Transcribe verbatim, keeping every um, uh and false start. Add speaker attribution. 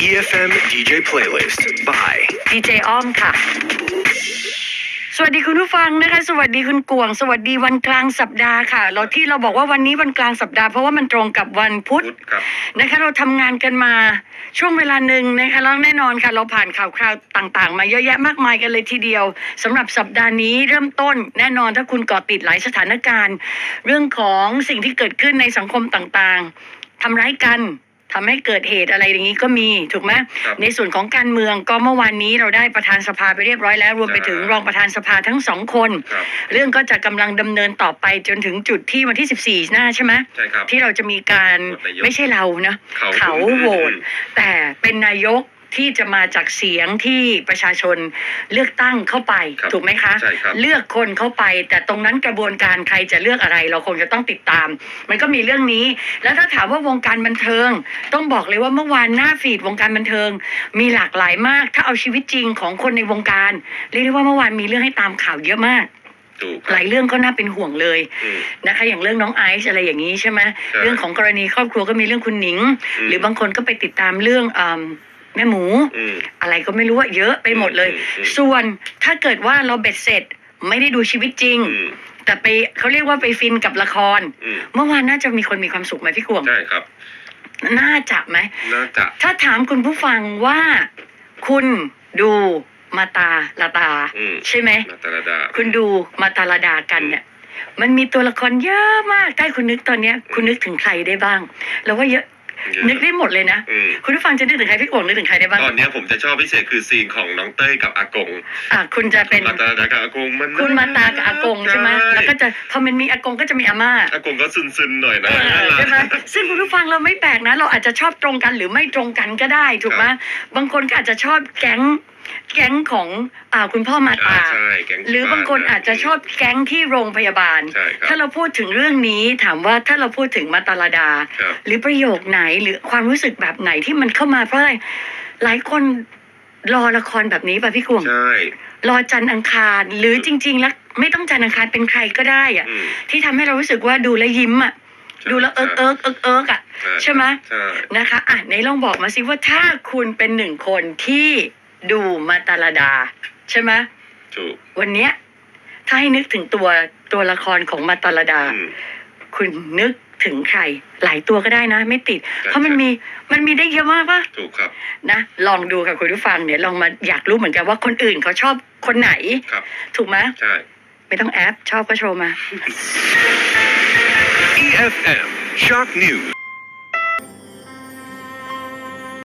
Speaker 1: อี เอฟ เอ็ม ดี เจ Playlist by
Speaker 2: ดี เจ อ้อมค่ะสวัสดีคุณผู้ฟังนะคะสวัสดีคุณกวงสวัสดีวันกลางสัปดาห์ค่ะเราที่เราบอกว่าวันนี้วันกลางสัปดาห์เพราะว่ามันตรงกับวันพุธนะคะเราทำงานกันมาช่วงเวลาหนึ่งนะคะแล้วแน่นอนค่ะเราผ่านข่าวคราวต่างๆมาเยอะแยะมากมายกันเลยทีเดียวสำหรับสัปดาห์นี้เริ่มต้นแน่นอนถ้าคุณเกาะติดหลายสถานการณ์เรื่องของสิ่งที่เกิดขึ้นในสังคมต่างๆทำร้ายกันทำให้เกิดเหตุอะไรอย่างนี้ก็มีถูกไหมในส่วนของการเมืองก็เมื่อวานนี้เราได้ประธานสภาไปเรียบร้อยแล้วรวมไปถึงรองประธานสภาทั้งสองคนเรื่องก็จะกำลังดำเนินต่อไปจนถึงจุดที่วันที่สิบสี่หน้าใช่ไหมที่เราจะมีการไม่ใช่เรานะเขาโหวตแต่เป็นนายกที่จะมาจากเสียงที่ประชาชนเลือกตั้งเข้าไปถูกไหมคะเลือกคนเข้าไปแต่ตรงนั้นกระบวนการใครจะเลือกอะไรเราคงจะต้องติดตามมันก็มีเรื่องนี้แล้วถ้าถามว่าวงการบันเทิงต้องบอกเลยว่าเมื่อวานหน้าฟีดวงการบันเทิงมีหลากหลายมากถ้าเอาชีวิตจริงของคนในวงการเรียกได้ว่าเมื่อวานมีเรื่องให้ตามข่าวเยอะมากหลายเรื่องก็น่าเป็นห่วงเลยนะคะอย่างเรื่องน้องไอซ์อะไรอย่างนี้ใช่ไหมเรื่องของกรณีครอบครัวก็มีเรื่องคุณหนิงหรือบางคนก็ไปติดตามเรื่องแม่หมูอะไรก็ไม่รู้ว่าเยอะไปหมดเลยส่วนถ้าเกิดว่าเราเบ็ดเสร็จไม่ได้ดูชีวิตจริงแต่ไปเขาเรียกว่าไปฟินกับละครเมื่อวานน่าจะมีคนมีความสุขไหมพี่กวง
Speaker 3: ใช่ครับ
Speaker 2: น่าจะไหม
Speaker 3: น่าจะ
Speaker 2: ถ้าถามคุณผู้ฟังว่าคุณดูมาตาลาตาใช่ไหม
Speaker 3: มาตาลาดา
Speaker 2: คุณดูมาตาลาดากันเนี่ยมันมีตัวละครเยอะมากใกล้คุณนึกตอนนี้คุณนึกถึงใครได้บ้างแล้วว่าเยอะนึกได้หมดเลยนะคุณผู้ฟังจะนึกถึงใครพี่กวงนึกถึงใครได้บ้าง
Speaker 3: ตอนนี้ผมจะชอบพิเศษคือซีนของน้องเต้ยกับอากง
Speaker 2: อ่ะคุณจะเป็น
Speaker 3: มาตากับอากงมัน
Speaker 2: คุณมาตากับอากงใช่ไหมแล้วก็จะพอมันมีอากงก็จะมีอาม่า
Speaker 3: อากงก็ซึนๆหน่อยนะ
Speaker 2: ใช่ไหมซึ่งคุณผู้ฟังเราไม่แปลกนะเราอาจจะชอบตรงกันหรือไม่ตรงกันก็ได้ถูกไหมบางคนก็อาจจะชอบแก๊งแก๊งของอ่าคุณพ่อมาตาหรือบางคนอาจจะชอบแก๊งที่โรงพยาบาลถ้าเราพูดถึงเรื่องนี้ถามว่าถ้าเราพูดถึงมาตาลาดาหรือประโยคไหนหรือความรู้สึกแบบไหนที่มันเข้ามาเพราะอะไรหลายคนรอละครแบบนี้ป่ะพี่กวงรอจันทร์อังคารหรือจริงๆแล้วไม่ต้องจันทร์อังคารเป็นใครก็ได้อ่ะที่ทำให้เรารู้สึกว่าดูแลยิ้มอ่ะดูแล้วเอิ๊กเอิ๊กเอิ๊กเอิ๊กอ่ะใช่ไหมนะคะอ่ะไหนลองบอกมาสิว่าถ้าคุณเป็นหนึ่งคนที่ดูมาตาลาดาใช่ไหม
Speaker 3: ถูก
Speaker 2: วันเนี้ยถ้าให้นึกถึงตัวตัวละครของมาตาลาดาคุณนึกถึงใครหลายตัวก็ได้นะไม่ติดเพราะมันมีมันมีได้เยอะมากปะ
Speaker 3: ถูกครับ
Speaker 2: นะลองดูค่ะคุณผู้ฟังเนี่ยลองมาอยากรู้เหมือนกันว่าคนอื่นเขาชอบคนไหนถูกไหม
Speaker 3: ใช่
Speaker 2: ไม่ต้องแอปชอบก็โชว์มา
Speaker 1: อี เอฟ เอ็ม Shock News